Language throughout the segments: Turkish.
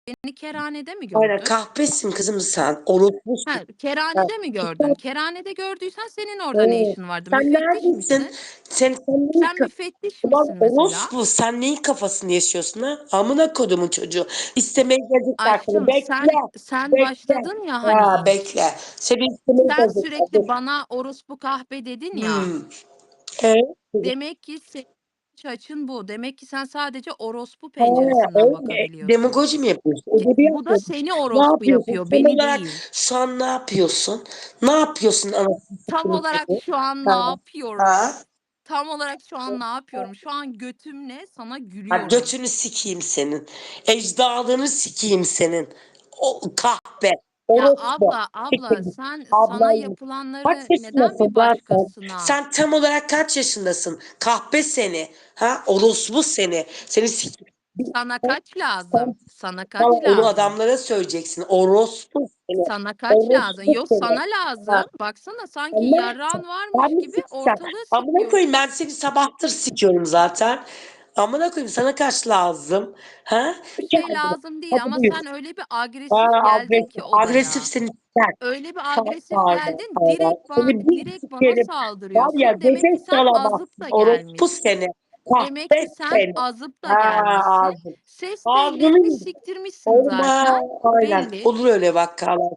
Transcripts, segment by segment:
beni kerhanede mi Aynen, gördün? kahpesin kızım sen. Orospusun. Ha, kerhanede mi gördün? Ha, Kerhanede gördüysen senin orada ne işin vardı? sen Müfettiş neredesin? misin? Sen neyin Sen müfettiş Ulan misin mesela? orospu, sen neyin kafasını yaşıyorsun ha? Amına kodumun çocuğu. İstemeye gelecekler seni. Aşkım Bekle. sen Bekle. başladın ya hani Ha, ilk. bekle. Seni istemeye Sen gelecekler. Dur. sürekli bana orospu kahpe dedin ya. Hmm. Evet. Demek ki senin açın bu. Demek ki sen sadece orospu Ha, penceresinden öyle. bakabiliyorsun. Demagoji mi yapıyorsun? Edebiyat Bu da mı? seni Ne orospu yapıyorsun? yapıyor, Tam beni olarak değil. şu an ne yapıyorsun? Ne yapıyorsun anasını Tam satayım olarak seni? şu an ne Ha. yapıyorum? Ha? Tam olarak şu an ne yapıyorum? Şu an götümle sana Ha, gülüyorum. götünü sikeyim senin. Ecdadını sikeyim senin. O kahpe. Ya Orospu. abla sen sana Ablayım. Kaç yapılanları neden yaşındasın bir lan sen? başkasına? Sen tam olarak kaç yaşındasın? Kahpe seni. Ha? Orospu seni. Seni sikeyim. Sana kaç lazım? Sen Sana sana kaç onu lazım? adamlara söyleyeceksin. Orospu seni. Sana kaç lazım? Orospu Yok seni. sana Ha. lazım. Baksana sanki Sen ne yapacaksın? yarrağın Ben varmış mi gibi sikeceğim? ortalığı Amına koyayım, sikiyorsun. ben seni sabahtır sikiyorum zaten. Amına koyayım, sana kaç lazım? Ha? Bir şey Gel buraya. lazım değil Hadi ama buyur. sen öyle bir Ha, agresif geldin agresif. ki Agresif odaya. seni siker. Öyle bir Ha, agresif pardon, geldin. pardon. Seni bir Direkt bana sikerim. Var ya, saldırıyorsun. Demek göze ki sen azıp salamazsın. da Orospu gelmişsin. seni. Demek ki Kahpe sen seni. azıp da Ha, gelmişsin. ağzım. Ses Ağzını tellerini yedim. siktirmişsin Olma. zaten. Aynen. Belli. Olur öyle vakalar.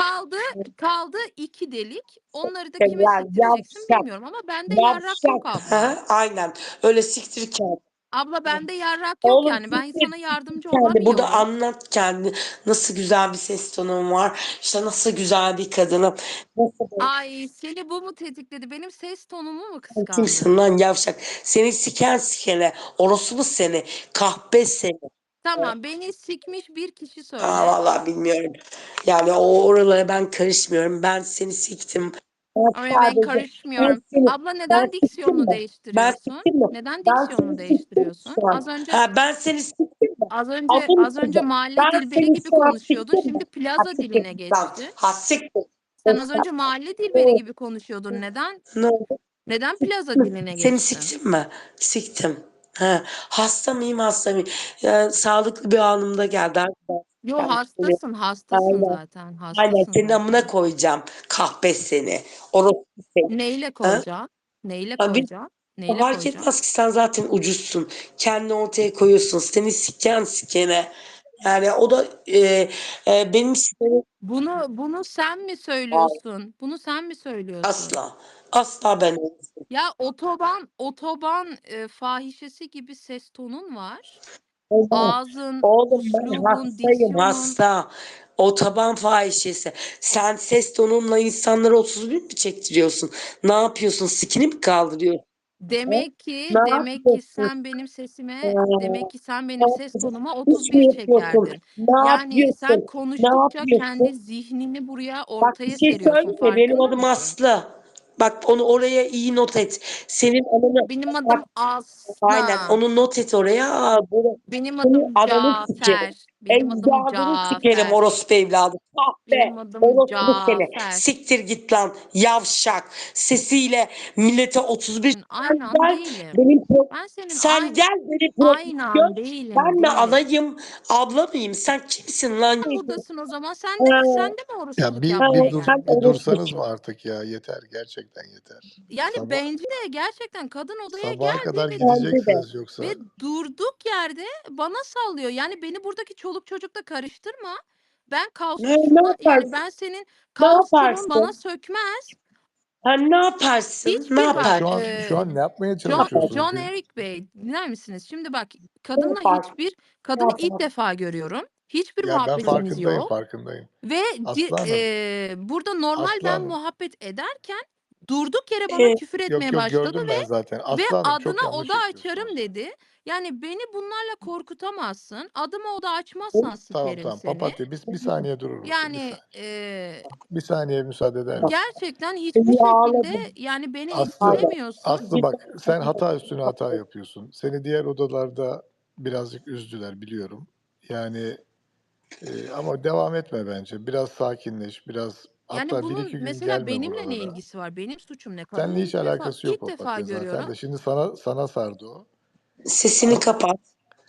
Kaldı 2 delik. Onları da kime Siktirler. siktireceksin Yavşak. bilmiyorum ama bende yarrak yok Yavşak. abla. Ha, aynen. Öyle siktirirken. Abla bende yarrak yok Oğlum yani. Ben siktir, sana siktir yardımcı kendi. Burada olamıyorum. anlat kendi. Nasıl güzel bir ses tonun var. İşte nasıl güzel bir kadınım. Nasıl Ay seni bu mu tetikledi? Benim ses tonumu mu kimsin kıskandın? lan yavşak? Seni siken sikene. Orospu seni. Kahpe seni. Tamam beni sikmiş bir kişi Aa, söyle. vallahi bilmiyorum. Yani o oralara ben karışmıyorum. Ben seni siktim. Ben Ama ben sadece ben karışmıyorum. seni Abla ben neden siktim diksiyonunu mi? Ben değiştiriyorsun? siktim mi? Neden Ben seni diksiyonunu siktim değiştiriyorsun? şu an. Ha, ben seni siktim mi? Adım Az önce kızım. mahalle Ben dilberi seni gibi şu an konuşuyordun. siktim mi? Şimdi Ha, plaza siktir diline git lan. geçti. Ha, siktir. Sen az önce mahalle dilberi O, gibi konuşuyordun. ne oldu? Neden plaza Siktim. diline Seni geçtin? siktim mi? Siktim. Ha, hasta mıyım, hasta mıyım? Ya, sağlıklı bir anımda geldi. Yo Arkadaşlar. hastasın Aynen. zaten. Aynen, Hastasın senin amına zaten. koyacağım. Kahpe seni. Orospu seni. Neyle Ha? koyacaksın? Neyle Ha, bir koyacaksın? Neyle fark koyacaksın? etmez ki, sen zaten ucuzsun. Kendini ortaya koyuyorsun. Seni siken sikene. Yani o da benim sikenim. Bunu sen mi Hayır, söylüyorsun? Bunu sen mi söylüyorsun? asla. Asla ben olmasın. Ya otoban fahişesi gibi ses tonun var. Oğlum, Ağzın, oğlum, ben üslubun, hastayım, diksiyonun. hasta. Otoban fahişesi. Sen ses tonunla insanlara 31 mi çektiriyorsun? Ne yapıyorsun? Sikini mi kaldırıyorsun? Ha? Ne Demek ki yapıyorsun? sen benim sesime, demek Ha, ki sen ne benim ses yapıyorsun? tonuma İş mi 31 yapıyorsun? çekerdin. Ne Yani sen yapıyorsun? Ne konuştukça kendi yapıyorsun? zihnini buraya Bak, bir ortaya şey seriyorsun. söyleyeyim mi? Benim Farkında adım mısın? Aslı. Bak, onu oraya iyi not et. Senin ananı Benim bak, adım aynen Aslı. onu not et oraya. Aa, böyle Benim senin adım ananı sikerim. Cafer. Benim adım Ecdadını sikerim, Cafer. orospu evladı. Kahpe. Benim adım Orospu seni. Cafer. Siktir git lan yavşak. Sesiyle millete 31. Sen Aynı an gel değilim. benim Ben senin sen gel benim profilimi aynı an gör. değilim, Ben mi değilim. anayım, abla mıyım? Sen kimsin lan? Sen buradasın o zaman. Sen Ha, de mi Ya orospuluk bir yapmaya bir dur sen bir geldin? dursanız mı orospusun. artık ya, yeter, gerçekten yeter. Yani Sabah bencil gerçekten kadın odaya sabaha geldi kadar Bence de. gideceksiniz yoksa. ve durduk yerde bana sallıyor. Yani beni buradaki çoluk çocukla karıştırma. Ben Ne yani yaparsın? ben senin Ne kaosçuluğun bana yaparsın? sökmez. Sen ne yaparsın? Ne Hiçbir Ya bak şu an ne yapmaya Ne çalışıyorsunuz John ki? Eric Bey dinler misiniz? Şimdi bak yaparsın? Ne kadını ilk yaparsın? defa görüyorum. Hiçbir Ya ben muhabbetimiz farkındayım, yok. farkındayım. Ve Aslı Hanım, burada normal Aslı ben Hanım. muhabbet ederken durduk yere bana Ee, küfür Yok etmeye yok, başladı gördüm ben zaten. ve Aslı Hanım, çok adına yanlış oda açarım yapıyorsunuz. dedi. Yani beni bunlarla korkutamazsın. Adıma oda o- açmazsan Tamam sikerim tamam, seni. papatya, bir saniye durur musun? Bir Yani saniye. Bir saniye müsaade eder misin? gerçekten hiçbir Seni şekilde ağladım. yani beni Aslı, Ağladım. etkilemiyorsun. Aslı bak, sen hata üstüne hata yapıyorsun. Seni diğer odalarda birazcık üzdüler, biliyorum. Yani ama devam etme bence. Biraz sakinleş, biraz, Yani hatta bir bunun iki gün mesela gelme benimle ne buralara. ilgisi var? Benim suçum ne? Kadını Seninle hiç alakası yok ilk defa papatya zaten görüyorum. de. Şimdi sana sardı o. Sesini As, kapat.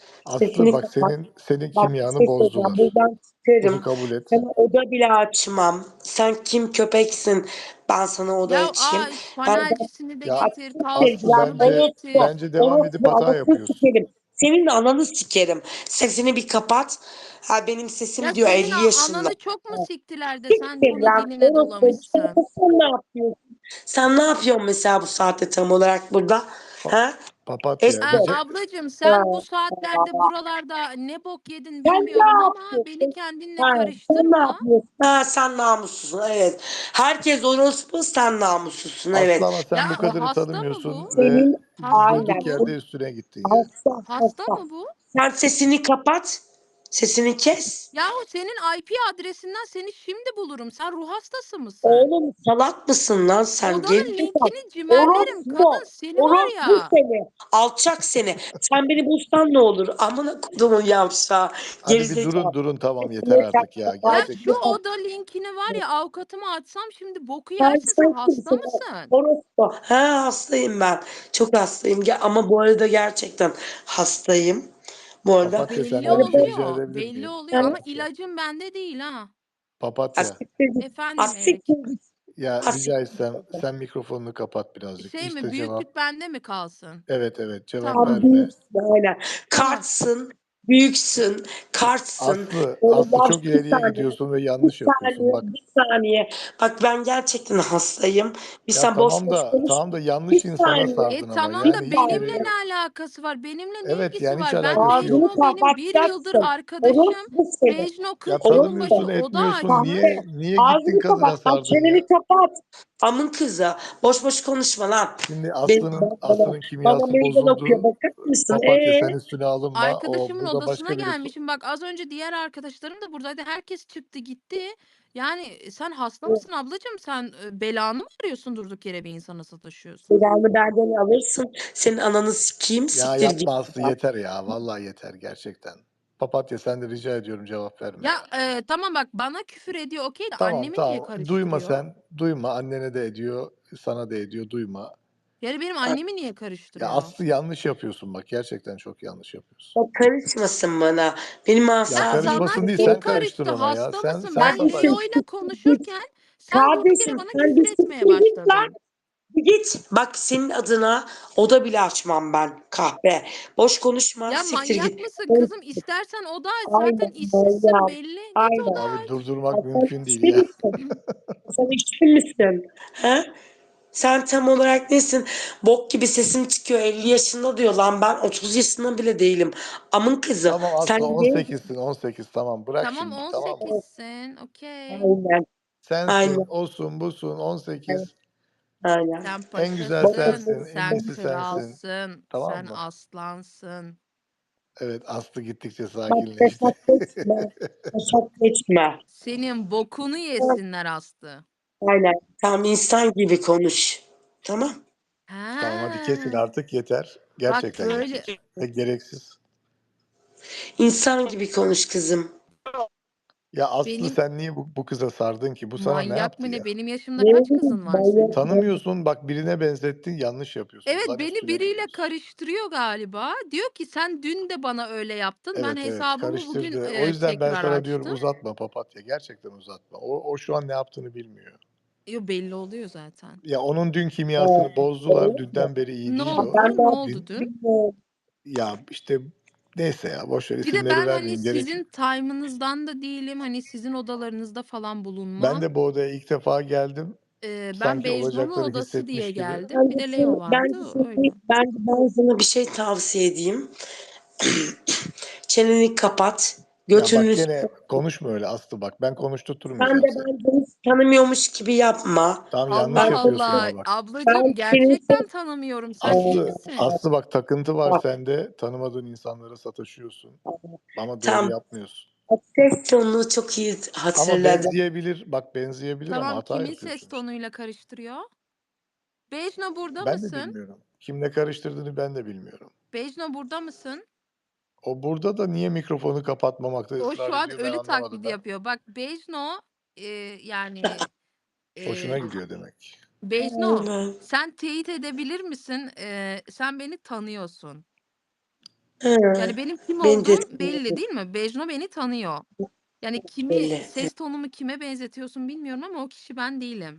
Aslı Sesini bak kapat. senin Bak bir kimyanı şey söyleyeceğim. bozdular. Buradan Bunu çıkarım. kabul et. Sana oda bile açmam. Sen kim köpeksin? Ben sana oda Ya açayım. Ben panelcisini de Ya getir, açık Aslı tavukçusunu da sevgiler. bence getir. bence devam edip hata Anasını yapıyorsun. sikerim. Senin de ananı sikerim. Sesini bir kapat. Ha benim sesim Ya diyor senin 50 yaşında. ananı çok mu siktiler de sen Siktir bunu lan. diline Orospu. dolamışsın? Sen ne yapıyorsun? Sen ne yapıyorsun mesela bu saatte tam olarak burada? Pa- Ha? Papatya Esko. Ablacığım Ha. sen bu saatlerde buralarda ne bok yedin Sen ne bilmiyorum ama beni yapıyorsun? kendinle Ha, sen ne karıştırma. yapıyorsun? Ha, sen namussuzsun evet. Herkes orospu sen namussuzsun Aslı evet. ama sen bu kadarı Hasta mı bu? tanımıyorsun ve Senin Hasta mı durduk bu? yerde üstüne gittin yani. Hasta mı bu? Sen sesini kapat. Sesini kes. Yahu senin IP adresinden seni şimdi bulurum. Sen ruh hastası mısın? Oğlum salak mısın lan sen? Odanın Gerizekalı. linkini cimerlerim. Kadın seni var Orospu ya. seni. Alçak seni. Sen beni bulsan ne olur? Amına kodumun yavşağı. Hadi bir Gerizekalı. durun tamam yeter Sesini artık ya Ya kapat. şu gerçekten. oda linkini var ya avukatıma açsam şimdi boku Sen yersin. Sen hasta kimsin? mısın? Orospu. Ha hastayım ben. Çok hastayım. Ama bu arada gerçekten hastayım. Bu arada Papatya Belli senden bir şey rica oluyor. edebilir Belli miyim? oluyor ama Papatya. ilacım bende değil ha. Papatya. asiktir git. Efendim Erik. Asiktir git. Ya rica Asiktir etsem git. sen mikrofonunu kapat birazcık. Şey mi İşte cevap. büyüklük bende mi kalsın? Evet cevap Tamam. verme. Büyüksün öyle. Tamam. Kartsın. Büyüksün. Kartsın. Aslı Bak çok bir ileriye saniye. gidiyorsun ve Bir yanlış yapıyorsun saniye. bak. Bir saniye. Bak ben gerçekten hastayım. Bir Ya sen boş boş konuş. tamam da Bir yanlış insana saniye. sardın ama Tamam Bir yani da hiç benimle saniye. gereği ne yok. alakası var? Benimle ne Evet ilgisi yani hiç var? Ben alakası Ağzını yok. Bejno benim bir yıldır kapatacaksın. arkadaşım. Orospu seni. Bejno 40 Ya yılın Orospu. başı tanımıyorsun oda etmiyorsun açtı. Kahpe. niye gittin Ağzını kadına kapat. Bak sardın çeneni ya? kapat. Amın kızı. Boş boş konuşma lan. Şimdi Bana, Aslı'nın bana kimyası meydan okuyor. bozuldu. Bakar mısın? Papatya sen üstüne alınma. O Arkadaşımın burada odasına başka birisi. gelmişim. Bak az önce diğer arkadaşlarım da buradaydı. Herkes çıktı gitti. Yani sen hasta mısın ablacığım? Sen belanı mı arıyorsun durduk yere bir insana sataşıyorsun? Silahını benden alırsın. Senin ananı sikeyim. Ya Siktir git. yapma Aslı yeter ya. Vallahi yeter gerçekten. Papatya sen de rica ediyorum cevap verme Ya ya. tamam bak bana küfür ediyor okey de Tamam annemi niye tamam. Duyma karıştırıyor? sen. Duyma. Annene de ediyor. Sana da ediyor. Duyma. Yani benim annemi niye Ya karıştırıyor? Aslı yanlış yapıyorsun bak. Gerçekten çok yanlış yapıyorsun. O karışmasın bana. Benim Ya Ya asabım. sana karışmasın değil. kim Sen karıştın karıştı? ona ya. Hasta Sen mısın? sen Ben sataştın. Kardeşim Leo'yla siktir git. konuşurken sen durduk yere Kardeşim bana sen bir küfür etmeye siktir git lan. başladın. Bir git. Bak senin adına oda bile açmam ben kahpe. Boş konuşma. Ya Siktir manyak git. mısın kızım? İstersen oda aç. Zaten Aynen. işsizsin Aynen. belli. Git Aynen. oda Abi aç. durdurmak Sen mümkün değil içki ya. misin? Sen içki misin? He? Sen tam olarak nesin? Bok gibi sesin çıkıyor 50 yaşında diyor lan ben 30 yaşında bile değilim. Amın kızı. Tamam Sen Aslı ne? 18'sin 18 tamam bırak Tamam şimdi tamam mı? 18'sin. Okey. Aynen. Sensin Aynen. osun busun 18 Aynen. Sen en güzel Boş boş paşasın. sensin en Sen iyisi konuşma. sensin kralsın. tamam Sen mı? aslansın. Evet Aslı gittikçe Bak sakinleşti. fesat geçme. Fesat geçme. Senin bokunu yesinler Aslı. Aynen. Tam insan gibi konuş. Tamam. Tamam hadi kesin Ha. artık yeter. Bak Gerçekten böyle yeter. Ve gereksiz. İnsan gibi konuş kızım. Ya Aslı benim sen niye bu kıza sardın ki? Bu sana ne manyak yaptı mı ne? ya? Benim yaşımda Ne kaç bileyim kızın var manyak senin? mı? Tanımıyorsun bak birine benzettin yanlış yapıyorsun. Evet Ulan beni üstüne biriyle gidiyorsun. karıştırıyor galiba. Diyor ki sen dün de bana öyle yaptın. Ben Evet hesabımı bugün karıştırdı. O yüzden ben tekrar sana diyorum açtım. uzatma papatya. Gerçekten uzatma. O şu an ne yaptığını bilmiyor. Yo belli oluyor zaten. Ya onun dün kimyasını bozdular. Öyle mi? Dünden beri iyi Ne değil o. Ben oldu? de Ne oldu Din, dün? bilmiyorum. ya işte neyse ya boş ver Bir de isimleri ben hani vermeyeyim gerek sizin yok. time'ınızdan da değilim. Hani sizin odalarınızda falan Ben bulunmam. de bu odaya ilk defa geldim. Ben Sanki Bejno'nun olacakları odası diye hissetmiş gibi. geldim. Bir de Leo vardı. Öyle. Ben sana bir şey tavsiye edeyim. Çeneni kapat. Ya bak Götünü gene konuşma öyle Aslı bak. Ben sen konuşturtmayacağım de seni. beni hiç tanımıyormuş gibi yapma. Tamam yanlış Allah Ben yapıyorsun Allah. ama bak. Ablacığım ben senin gerçekten tanımıyorum. Sen iyi Aslı misin? Aslı bak takıntı var sende. Tanımadığın insanlara sataşıyorsun. Ama doğru tam yapmıyorsun. ses tonunu çok iyi Ama hatırladım. benzeyebilir. Bak benzeyebilir ama Tamam hata kimin ses yapıyorsun işte. tonuyla karıştırıyor? Bejno burada Ben de mısın? bilmiyorum. Kimle karıştırdığını ben de bilmiyorum. Bejno burada mısın? O burada da niye mikrofonu kapatmamakta O ısrar şu an ediyor ben ölü anlamadım taklidi ben. yapıyor. Bak Bejno yani Hoşuna e, gidiyor demek. Bejno Aynen. sen teyit edebilir misin? Sen beni tanıyorsun. Hı. Yani benim kim Beni de olduğum belli değil mi? Bejno beni tanıyor. Yani kimi, belli. ses tonumu kime benzetiyorsun bilmiyorum ama o kişi ben değilim.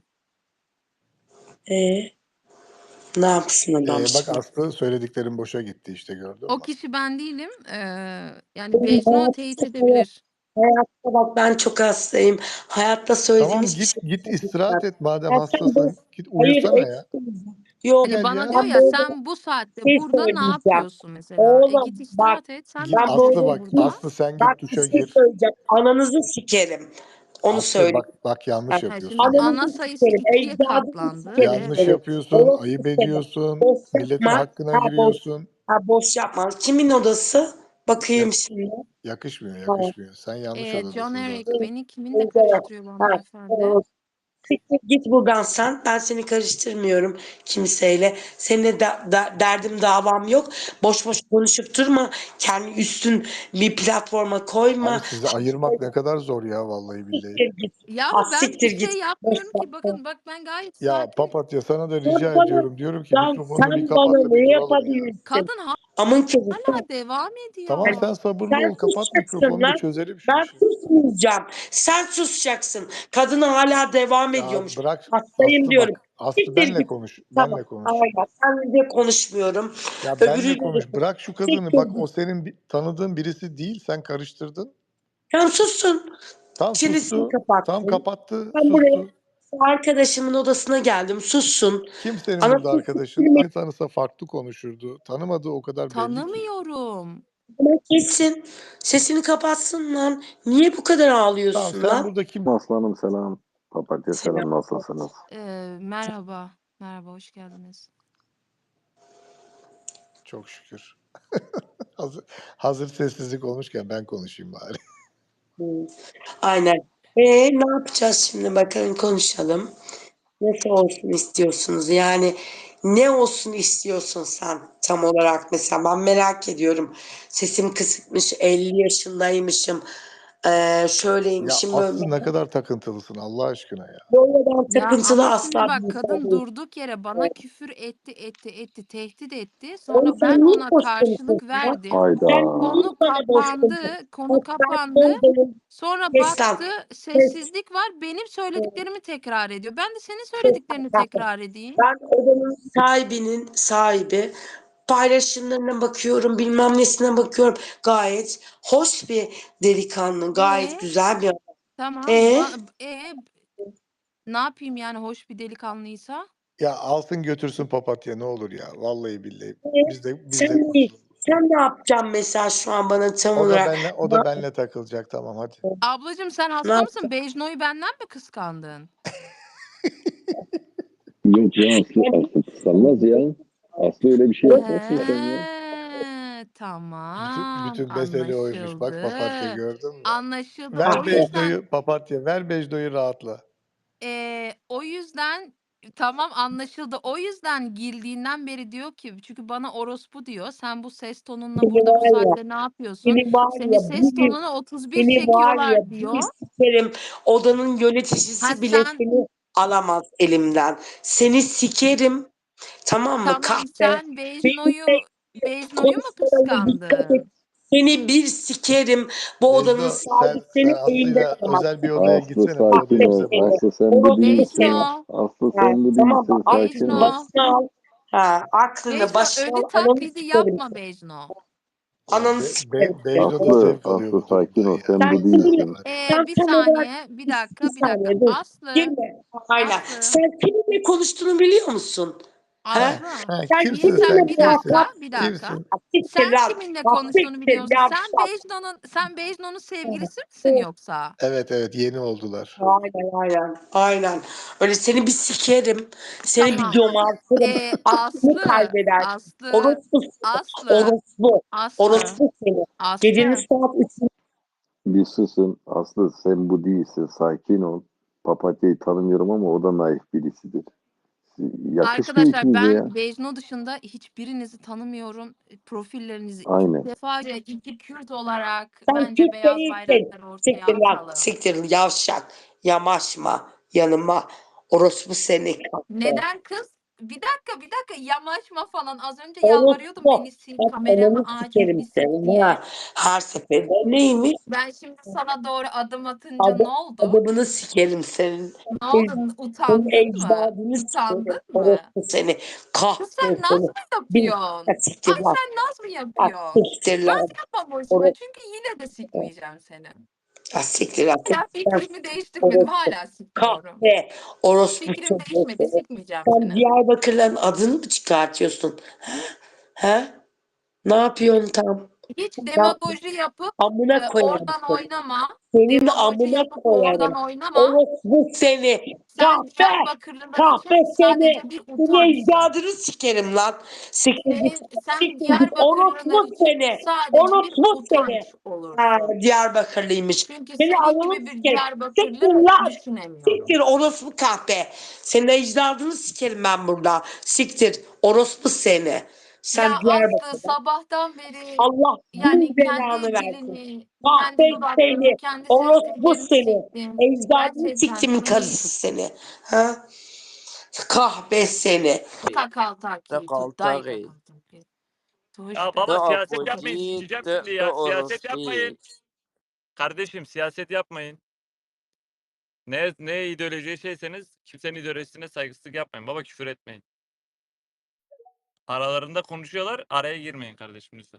Ne yapsın adam Bak şimdi? Aslı söylediklerin boşa gitti işte gördün O mü? kişi ben değilim. Yani Benim Bejno teyit edebilir. hayatta bak ben çok hastayım. Hayatta söylediğim Tamam hiçbir şey git istirahat yapmayacağım. et madem Ya sen hastasın. Git hayır uyusana ya. yok. Hani Gel bana ya. diyor Ben ya böyle sen bu bir saatte şey burada ne söyleyeceğim. yapıyorsun mesela? Oğlum Git bak istirahat et. Sen ne Git ben Aslı böyle yapıyorsun bak. burada? Aslı sen bak git bir duşa şey gir. söyleyeceğim. Ananızı sikerim. Onu Aslı söyleyeyim. bak yanlış Ha, Ha, şimdi yapıyorsun bak. ana ananızı sayısı sikerim. 2'ye Ecdadınızı katlandı. sikerim Yanlış seni. Evet. yapıyorsun. Orası Ayıp seni. ediyorsun. Boş Milletin yapma. hakkına Ha boş. giriyorsun. Ha boş yapma. Kimin odası? Ya, Bakayım şimdi. yakışmıyor Ha. yakışmıyor. Sen yanlış John odadasın Eric zaten. beni kiminle Evet. karıştırıyor bu Ha, hanımefendi? evet. Siktir git buradan sen. Ben seni karıştırmıyorum kimseyle. Seninle derdim davam yok. Boş boş konuşup durma. Kendi üstün bir platforma Abi koyma. sizi ayırmak ne kadar zor ya vallahi billahi. Siktir git. Ya Ha, ama ben bir siktir şey git. Boş yapmıyorum ki. yapma. Bakın bak ben gayet Ya sakinim. papatya sana da Sen rica bana, ediyorum. Diyorum ki mikrofonunu bir sen kapat bana da bir ne duralım ya. yapabilirsin? Kadın Amın kızı sen. hala devam Tamam ediyor. sen sabırlı Sen ol. Kapat susacaksın mikrofonu da lan. çözelim şu Ben işi. susmayacağım. Sen susacaksın. Kadına hala devam Ya ediyormuş. bırak Hastayım Aslı diyorum. bak. Aslı Siktir benle git. konuş. Tamam. Benle konuş. Aynen. Seninle konuşmuyorum. Ya benle Öbürüyle de konuş. Bırak şu kadını. siktir Bak o git. senin tanıdığın birisi değil. Sen karıştırdın. Sen sussun. Tam Çenesini sustu. Tam kapatsın. kapattı. Ben buraya Sustu. arkadaşımın odasına geldim. Sussun. Kim senin burada Anasını arkadaşın? siktirmeyin. Ay tanısa farklı konuşurdu. Tanımadığı o kadar belli ki. Tanımıyorum. Kessin. Sesini kapatsın lan. Niye bu kadar Tamam ağlıyorsun sen lan? burada kim? Aslanım selam. Papatya Selam. selam, nasılsınız? Merhaba. Merhaba, hoş geldiniz. Çok şükür. Hazır sessizlik olmuşken ben konuşayım bari. Aynen. Ne yapacağız şimdi? Bakalım konuşalım. Nasıl olsun istiyorsunuz? Yani ne olsun istiyorsun sen tam olarak mesela? Ben merak ediyorum. Sesim kısıkmış, 50 yaşındaymışım, Ya şöyleymişim, böyle. Aslı ne kadar takıntılısın Allah aşkına ya. Böyle ben Ya takıntılı ama şimdi asla bak bir insan kadın değilim. durduk yere bana küfür etti, tehdit etti. Oğlum Sonra ben sen niye ona boş karşılık konuşuyorsun lan? verdim. Hayda. Sen niye Konu bana boş konuşuyorsun? konu Bak ben kapandı. son dönem Sonra kes lan. baktı Kes. sessizlik var. Benim söylediklerimi tekrar ediyor. Ben de senin Kes. söylediklerini tekrar edeyim. Ben odanın sahibinin sahibi. Paylaşımlarına bakıyorum, bilmem nesine bakıyorum. Gayet hoş bir delikanlı, gayet güzel bir adam. Tamam. E Ne yapayım yani hoş bir delikanlıysa? Ya alsın götürsün papatya ne olur ya. Vallahi billahi. e, Biz de kurtulalım. sen ne yapacaksın mesela şu an bana tam olarak? O da benle takılacak tamam hadi. Ablacığım sen Ne hasta mısın? yapacaksın? Bejno'yu benden mi kıskandın? Yok ya, Aslı kıskanmaz ya. Aslı öyle bir şey yapmazsın sen ya. Tamam. Bütün mesele oymuş. Bak papatya Anlaşıldı. gördün mü? Anlaşıldı. Ver O yüzden Bejdo'yu papatya ver Bejdo'yu rahatla. o yüzden tamam anlaşıldı. O yüzden girdiğinden beri diyor ki çünkü bana orospu diyor. Sen bu ses tonunla Seni burada bu var ya, saatte ne yapıyorsun? seni var Senin ya, ses tonuna 31 seni var ya, çekiyorlar bir diyor. sikerim. Odanın Ha yöneticisi bile sen seni alamaz elimden. Seni sikerim. Tamam mı tamam kahpe? sen Benimle Bejno'yu mu konuşmalarına dikkat et. kıskandın? Seni bir sikerim. Bu odanın Bejdo sahibi sen seni elinden Aslı'yla alamaz. özel bir odaya Aslı gitsene bu oda sakin Kahpe ol. bize seni. Aslı bırak. sen bu Orospu değilsin. seni. Bejno, Aslı Ha, sen bu tamam mı? değilsin. Sakin Aklını ol. Bejno, başına al. Ha, aklını Bejno başına al. ölü Ananı taklidi sikerim. yapma Bejno. Ya Ananı sikerim. Bejdo da Aslı, zevk alıyor bu sakin durumdan ol. ya. Sen Sen bu Vallahi kiminle, değilsin. var ya. sen Bir tam olarak saniye, bir bir dakika, bir dakika. saniye dur. Aslı, Girme. Aynen. Aslı, Sen kiminle konuştuğunu biliyor musun? He? Aslı. Sen Kimsin sen? kiminle Bir dakika, Kimsin? muhatap? bir dakika. Kimsin? Siktir Sen lan. kiminle Bak konuştuğunu siktir biliyorsun. yavşak. Sen Bejno'nun sevgilisi misin yoksa? Evet yeni oldular. Aynen. Öyle seni bir sikerim. Seni bir Tamam. domartırım. Aklını Aslı, kaybeder. Aslı, Orospu. Aslı, Orospu. Aslı, Orospu seni. Gecenin Aslı. saat 3'ünde Bir susun. Aslı sen bu değilsin. Sakin ol. Papatya'yı tanımıyorum ama o da naif birisidir. Yakışmıyor Arkadaşlar ikinize ya. ben Bejno dışında hiçbirinizi tanımıyorum. Profillerinizi ilk Aynen. defa iki Kürt olarak sen bence Kürt beyaz değilsin. bayrakları ortaya Siktir lan. atalım. Siktir yavşak. Yamaşma yanıma. Orospu seni. Neden kız? bir dakika yamaçma falan. Az önce yalvarıyordum beni sil, Bak kameramı ananı aç, sikerim bir sil senin diye. ha. Her seferinde neymiş? Ben şimdi sana doğru adım atınca ne oldu? Adamını sikerim senin. Ne oldu? Senin Utandın mı? ecdadını sikerim. Utandın mı? Orası seni. Kız Kahve sen naz seni. mı Bir yapıyorsun? siktir Ay lan. sen naz mı Ah yapıyorsun? siktir Naz lan. yapma boşuna Orası. çünkü yine de sikmeyeceğim seni. Ah siktir lan. Hala fikrimi değiştirmedim. Hala sikmiyorum. Kahve. Orospu Fikrim çocuğu değişmedi. seni. Sikmeyeceğim Sen seni. Diyarbakırların adını mı çıkartıyorsun? He? Ne yapıyorsun tam? Hiç Ne demagoji yapıp amına koyarım oradan seni. oynama. Senin Demagoji amına yapıp oradan koyarım. oynama. Orospu seni. Sen Kahve. Diyarbakırlılar için Kahve sadece seni. bir Senin utançsın. ecdadını sikerim lan. Siktir git. Sen Siktir git. Diyarbakırlılar Orospu için seni. sadece bir Orospu seni. utanç Ha, olursun. Diyarbakırlıymış. Çünkü Seni senin ananı gibi bir sikerim. Diyarbakırlı Siktir lan. düşünemiyorum. Siktir orospu kahpe. Senin ecdadını sikerim ben burada. Siktir. Orospu seni. Sen Ya Aslı Diyarbakır. sabahtan beri Allah yani bin belanı kendi versin. dilini, Kahpe kendi dudaklarını, seni. kendi ses Orospu tellerini seni. çektin. Ecdadını Gerçekten siktimin hani karısı seni. Ha? Kahpe seni. takaltaki tut dayı تقاطعي takaltaki. Ya Tuşta. baba siyaset yapmayın. تأبوجي Sikeceğim şimdi ya. Siyaset تأرسطي yapmayın. Kardeşim siyaset yapmayın. Ne ideolojiye şeyseniz kimsenin ideolojisine saygısızlık yapmayın. Baba küfür etmeyin. Aralarında konuşuyorlar. Araya girmeyin kardeşim lütfen.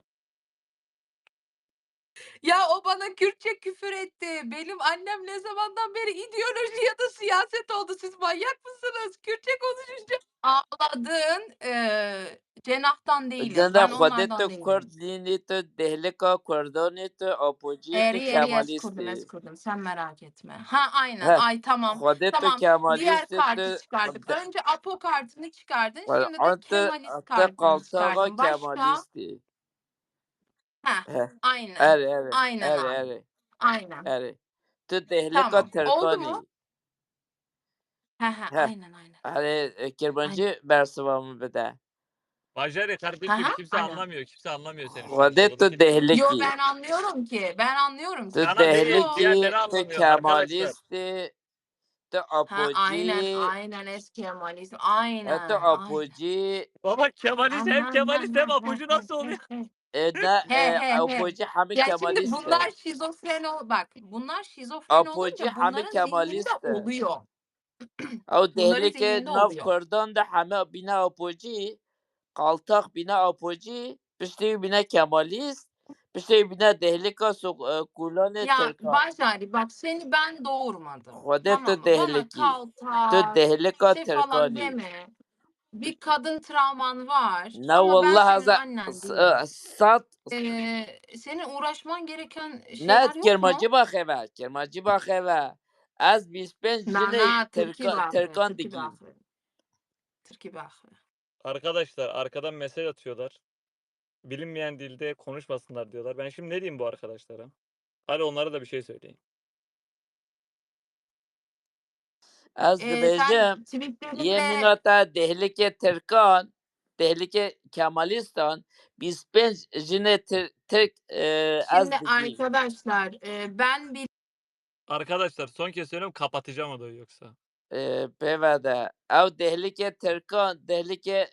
Ya o bana Kürtçe küfür etti. Benim annem ne zamandan beri ideoloji ya da siyaset oldu. Siz manyak mısınız? Kürtçe konuşunca ağladın. Cenahtan değilim. دنا Ben خودت onlardan değilim. کرد لینی تو دهلکا کردانی تو آپوجی تو Eri eskurdum کمالیستی Sen merak etme. Ha aynen. ها Ay tamam. خودت تو Tamam. Diğer کمالیستی تو kartı çıkardık. Önce Apo kartını çıkardın. Şimdi de آنت Kemalist تو kartını قالتاقا çıkardın. Başka? کمالیستی Ha ها aynen. اره اره Aynen اره abi. اره Aynen. اره تو دهلکا Tamam. Oldu ترکانی mu? Ha ها aynen aynen. اره Aynen. کرمانجی برسوامو بده Bajari Ha kardeşim kimse aynen. anlamıyor. Kimse anlamıyor seni şu an. خودت Soruda تو kimse anlamıyor. Yo دهلکی ben anlıyorum ki. Ben anlıyorum. تو Sıkıntı Sana değil yok. دهلکی diğerleri تو anlamıyor arkadaşlar. کمالیستی تو Ha aynen آپوجی aynen eski Kemalist. تو Aynen aynen. آپوجی Baba Kemalist hem Aman Kemalist hem aman he apucu he nasıl oluyor? he he. نه He he he. آپوجی همه Ya şimdi کمالیسته bunlar şizofren bak bunlar şizofren آپوجی olunca همه bunların zihninde کمالیسته oluyor. او Bunların دهلی که zihninde ناف oluyor. کردان ده همه بینه آپوجی قالتاق بینه آپوجی پشتی بینه کمالیست پشتی بینه دهلی که کولان Ya ترکان Başari bak seni ben doğurmadım. خودت تو Tamam mı? Bana دهلکی تو kaltak دهلی که şey falan ترکانی deme. Bir kadın travman var نه ama ben والله senin هذا annen değilim. صد Senin uğraşman gereken نه şeyler yok کرمانجی mu? بخواه کرمانجی بخواه از 25 جنه Na Türkiye bakmıyor. ترکان Türkiye دگیم bakmıyor. Türkiye bakmıyor. Arkadaşlar arkadan mesaj atıyorlar. Bilinmeyen dilde konuşmasınlar diyorlar. Ben şimdi ne diyeyim bu arkadaşlara? Hadi onlara da bir şey söyleyin. از Sen dibêjim yê tweetlerinle mînota dehlikê Tirkan, dehlikê Kemalistan 25 jinê Tirk ez şimdi digîm. arkadaşlar ben bir Arkadaşlar son kez söylüyorum kapatacağım odayı yoksa. Pêve de ew dehlikê Tirkan, dehlikê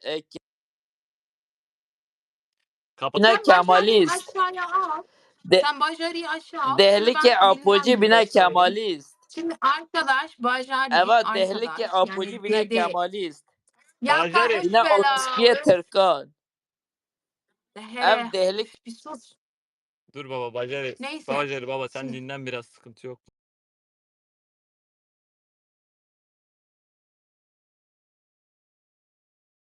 Kapat. bîne sen Başari'yi Kemalîst. aşağıya al. De Sen Başari'yi aşağı al. Şimdi dehlikê ben Apojî dinlen bîne de söyleyeyim. Kemalîst. Şimdi arkadaş Bajari Eva dehlikê arkadaş Apojî yani bîne dede Kemalîst. ya Bajari. Bîne öf bela orospiyê öf Tirkan. he Ev dehlik bir sus. Dur baba Bajari. Neyse Bajari baba sen şimdi dinlen biraz sıkıntı yok.